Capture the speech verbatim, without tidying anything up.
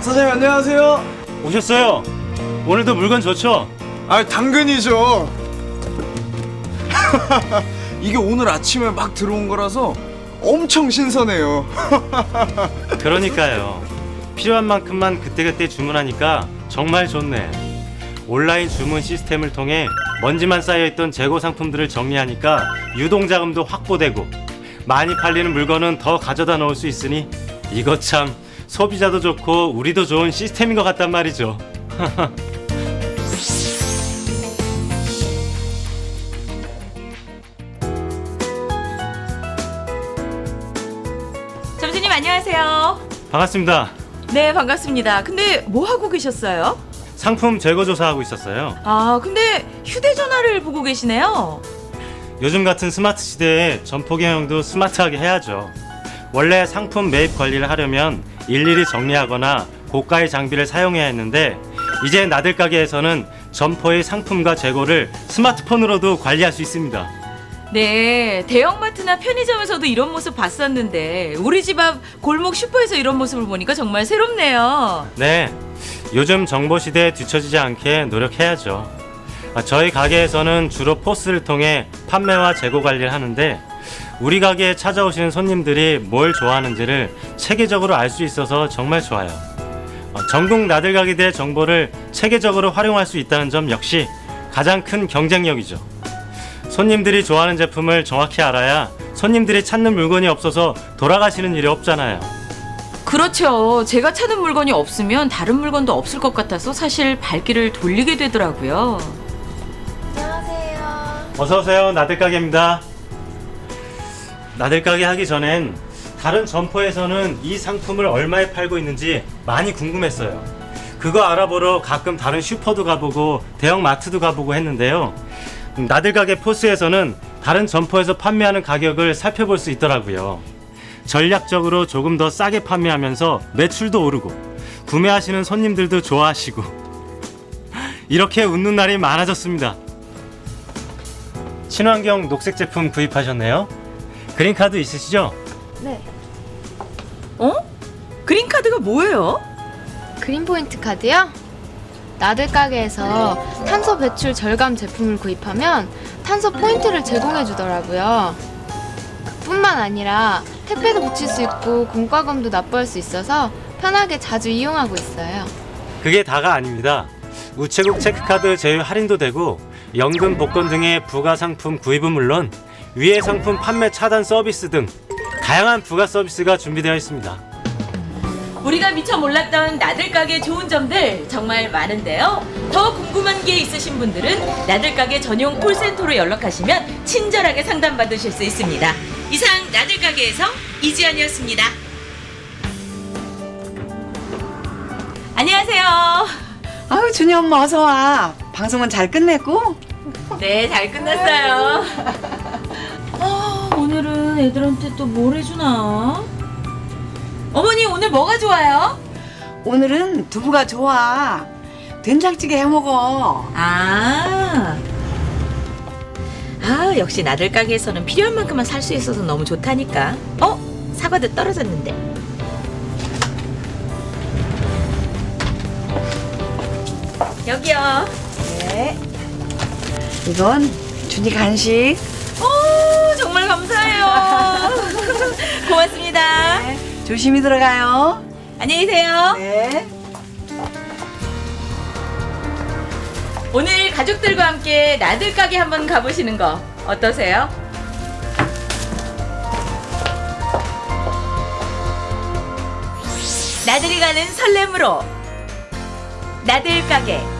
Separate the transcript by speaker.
Speaker 1: 사장님 안녕하세요.
Speaker 2: 오셨어요? 오늘도 물건 좋죠?
Speaker 1: 아 당근이죠. 이게 오늘 아침에 막 들어온 거라서 엄청 신선해요.
Speaker 2: 그러니까요. 필요한 만큼만 그때그때 주문하니까 정말 좋네. 온라인 주문 시스템을 통해 먼지만 쌓여있던 재고 상품들을 정리하니까 유동자금도 확보되고 많이 팔리는 물건은 더 가져다 놓을 수 있으니 이거 참 소비자도 좋고 우리도 좋은 시스템인 것 같단 말이죠.
Speaker 3: 점주님 안녕하세요.
Speaker 2: 반갑습니다.
Speaker 3: 네, 반갑습니다. 근데 뭐 하고 계셨어요?
Speaker 2: 상품 재고 조사하고 있었어요.
Speaker 3: 아, 근데 휴대전화를 보고 계시네요.
Speaker 2: 요즘 같은 스마트 시대에 점포 경영도 스마트하게 해야죠. 원래 상품 매입 관리를 하려면 일일이 정리하거나 고가의 장비를 사용해야 했는데 이제 나들 가게에서는 점포의 상품과 재고를 스마트폰으로도 관리할 수 있습니다.
Speaker 3: 네, 대형마트나 편의점에서도 이런 모습 봤었는데 우리 집 앞 골목 슈퍼에서 이런 모습을 보니까 정말 새롭네요.
Speaker 2: 네, 요즘 정보 시대에 뒤처지지 않게 노력해야죠. 저희 가게에서는 주로 포스를 통해 판매와 재고 관리를 하는데 우리 가게에 찾아오시는 손님들이 뭘 좋아하는지를 체계적으로 알 수 있어서 정말 좋아요. 전국 나들 가게들의 정보를 체계적으로 활용할 수 있다는 점 역시 가장 큰 경쟁력이죠. 손님들이 좋아하는 제품을 정확히 알아야 손님들이 찾는 물건이 없어서 돌아가시는 일이 없잖아요.
Speaker 3: 그렇죠. 제가 찾는 물건이 없으면 다른 물건도 없을 것 같아서 사실 발길을 돌리게 되더라고요.
Speaker 4: 안녕하세요.
Speaker 2: 어서오세요. 나들가게입니다. 나들가게 하기 전엔 다른 점포에서는 이 상품을 얼마에 팔고 있는지 많이 궁금했어요. 그거 알아보러 가끔 다른 슈퍼도 가보고 대형 마트도 가보고 했는데요. 나들가게 포스에서는 다른 점포에서 판매하는 가격을 살펴볼 수 있더라고요. 전략적으로 조금 더 싸게 판매하면서 매출도 오르고 구매하시는 손님들도 좋아하시고 이렇게 웃는 날이 많아졌습니다. 친환경 녹색 제품 구입하셨네요. 그린카드 있으시죠?
Speaker 4: 네.
Speaker 3: 어? 그린카드가 뭐예요?
Speaker 4: 그린포인트 카드요? 나들 가게에서 탄소 배출 절감 제품을 구입하면 탄소 포인트를 제공해 주더라고요. 뿐만 아니라 택배도 붙일 수 있고 공과금도 납부할 수 있어서 편하게 자주 이용하고 있어요.
Speaker 2: 그게 다가 아닙니다. 우체국 체크카드 제휴 할인도 되고 연금 복권 등의 부가 상품 구입은 물론 위해 상품 판매 차단 서비스 등 다양한 부가 서비스가 준비되어 있습니다.
Speaker 3: 우리가 미처 몰랐던 나들가게 좋은 점들 정말 많은데요. 더 궁금한 게 있으신 분들은 나들가게 전용 콜센터로 연락하시면 친절하게 상담받으실 수 있습니다. 이상 나들가게에서 이지연이었습니다. 안녕하세요.
Speaker 5: 아유 준이 엄마 어서 와. 방송은 잘 끝냈고?
Speaker 3: 네, 잘 끝났어요. 아, 오늘은 애들한테 또 뭘 해주나? 어머니 오늘 뭐가 좋아요?
Speaker 5: 오늘은 두부가 좋아. 된장찌개 해먹어.
Speaker 3: 아, 아 역시 나들 가게에서는 필요한 만큼만 살 수 있어서 너무 좋다니까. 어? 사과도 떨어졌는데. 여기요.
Speaker 5: 네. 이건 준이 간식.
Speaker 3: 오, 정말 감사해요. 고맙습니다.
Speaker 5: 네. 조심히 들어가요.
Speaker 3: 안녕히 계세요.
Speaker 5: 네.
Speaker 3: 오늘 가족들과 함께 나들 가게 한번 가보시는 거 어떠세요? 나들이 가는 설렘으로 나들 가게.